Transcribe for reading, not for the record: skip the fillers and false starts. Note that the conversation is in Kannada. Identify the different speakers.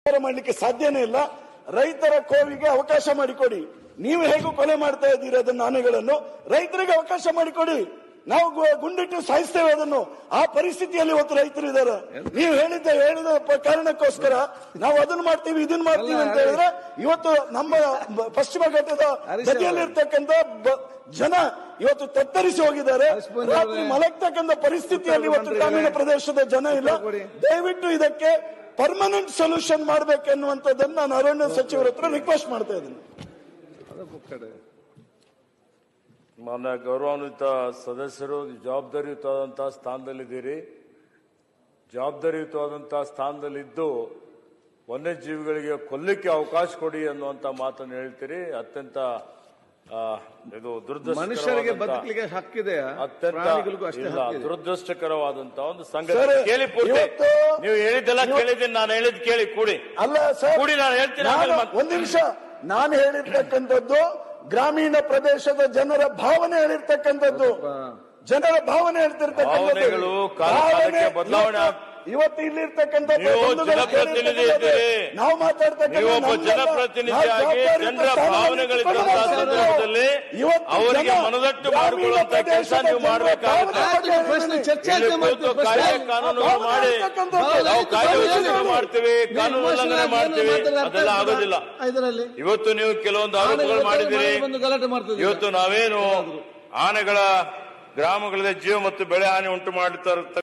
Speaker 1: ಮಾಡಲಿಕ್ಕೆ ಸಾಧ್ಯನೇ ಇಲ್ಲ. ರೈತರ ಕೋವಿಗೆ ಅವಕಾಶ ಮಾಡಿಕೊಡಿ. ನೀವು ಹೇಗೂ ಕೊಲೆ ಮಾಡ್ತಾ ಇದ್ದೀರಿ ಅದನ್ನ ಆನೆಗಳನ್ನು, ರೈತರಿಗೆ ಅವಕಾಶ ಮಾಡಿಕೊಡಿ. ನಾವು ಗುಂಡಿಟ್ಟು ಸಾಯಿಸ್ತೇವೆ ಅದನ್ನು. ಆ ಪರಿಸ್ಥಿತಿಯಲ್ಲಿ ಇವತ್ತು ರೈತರು ಇದ್ದಾರೆ. ನೀವು ಹೇಳಿದ ಕಾರಣಕ್ಕೋಸ್ಕರ ನಾವು ಅದನ್ನು ಮಾಡ್ತೀವಿ ಇದನ್ನ ಮಾಡ್ತೀವಿ ಅಂತ ಹೇಳಿದ್ರೆ ಇವತ್ತು ನಮ್ಮ ಪಶ್ಚಿಮ ಘಟ್ಟದ ಗದಿಯಲ್ಲಿರ್ತಕ್ಕಂಥ ಜನ ಇವತ್ತು ತತ್ತರಿಸಿ ಹೋಗಿದ್ದಾರೆ. ರಾತ್ರಿ ಮಲಗ್ತಕ್ಕಂಥ ಪರಿಸ್ಥಿತಿಯಲ್ಲಿ ಇವತ್ತು ಗ್ರಾಮೀಣ ಪ್ರದೇಶದ ಜನ ಇಲ್ಲ. ದಯವಿಟ್ಟು ಇದಕ್ಕೆ ಪರ್ಮನೆಂಟ್ ಸೊಲ್ಯೂಷನ್ ಮಾಡ್ಬೇಕೆನ್ನುವಂಥದ್ದನ್ನು ನಾನು ಅರಣ್ಯ ಸಚಿವರ ಹತ್ರ ರಿಕ್ವೆಸ್ಟ್ ಮಾಡ್ತಾ ಇದ್ದೀನಿ.
Speaker 2: ಮಾನ್ಯ ಗೌರವಾನ್ವಿತ ಸದಸ್ಯರು, ಜವಾಬ್ದಾರಿಯುತವಾದಂತಹ ಸ್ಥಾನದಲ್ಲಿದ್ದೀರಿ. ಜವಾಬ್ದಾರಿಯುತವಾದಂತಹ ಸ್ಥಾನದಲ್ಲಿದ್ದು ವನ್ಯಜೀವಿಗಳಿಗೆ ಕೊಲ್ಲಿಕ್ಕೆ ಅವಕಾಶ ಕೊಡಿ ಅನ್ನುವಂತ ಮಾತನ್ನು ಹೇಳ್ತೀರಿ. ಅತ್ಯಂತ ಇದು
Speaker 3: ಮನುಷ್ಯರಿಗೆ ಬದುಕಲಿಕ್ಕೆ ಹಕ್ಕಿದೆ,
Speaker 2: ದುರದೃಷ್ಟಕರವಾದಂತಹ ಒಂದು ಸಂಗತಿ. ಕೇಳಿ ಪೂರ್ತಿ ನೀವು ಹೇಳಿದ್ದೆಲ್ಲ ಕೇಳಿದ್ದೀನಿ, ನಾನು ಹೇಳಿದ್ ಕೇಳಿ ಕೂಡಿ.
Speaker 1: ಅಲ್ಲ ಸರ್,
Speaker 2: ಕೂಡಿ ನಾನು ಹೇಳ್ತೀನಿ.
Speaker 1: ಒಂದ್ ನಿಮಿಷ, ನಾನು ಹೇಳಿರ್ತಕ್ಕಂಥದ್ದು ಗ್ರಾಮೀಣ ಪ್ರದೇಶದ ಜನರ ಭಾವನೆ ಹೇಳಿರ್ತಕ್ಕಂಥದ್ದು, ಜನರ ಭಾವನೆ ಹೇಳ್ತಿರ್ತಕ್ಕಂಥದ್ದು.
Speaker 2: ಬದಲಾವಣೆ
Speaker 1: ಇವತ್ತು ಇಲ್ಲಿರ್ತಕ್ಕಂಥ
Speaker 2: ಜನಪ್ರತಿನಿಧಿ ಇದ್ದೀರಿ,
Speaker 1: ನಾವು ಮಾತಾಡ್ತಕ್ಕಂಥ
Speaker 2: ಜನಪ್ರತಿನಿಧಿಯಾಗಿ ಜನರ ಭಾವನೆಗಳಿದ್ದಂತಹ ಸಂದರ್ಭದಲ್ಲಿ ಅವರಿಗೆ ಮನದಟ್ಟು ಮಾಡಿಕೊಳ್ಳುವಂತ ಕೆಲಸ ನೀವು ಮಾಡಬೇಕಾಗುತ್ತೆ. ಕಾಯ್ದೆ ಕಾನೂನುಗಳು ಮಾಡಿ ನಾವು ಕಾಯ್ದೆ ಉಲ್ಲಂಘನೆ ಮಾಡ್ತೀವಿ, ಕಾನೂನು ಉಲ್ಲಂಘನೆ ಮಾಡ್ತೀವಿ, ಅದೆಲ್ಲ ಆಗೋದಿಲ್ಲ. ಇವತ್ತು ನೀವು ಕೆಲವೊಂದು ಆರೋಪಗಳು ಮಾಡಿದ್ದೀರಿ. ಇವತ್ತು ನಾವೇನು ಆನೆಗಳ ಗ್ರಾಮಗಳಲ್ಲಿ ಜೀವ ಮತ್ತು ಬೆಳೆ ಹಾನಿ ಉಂಟು ಮಾಡುತ್ತಾ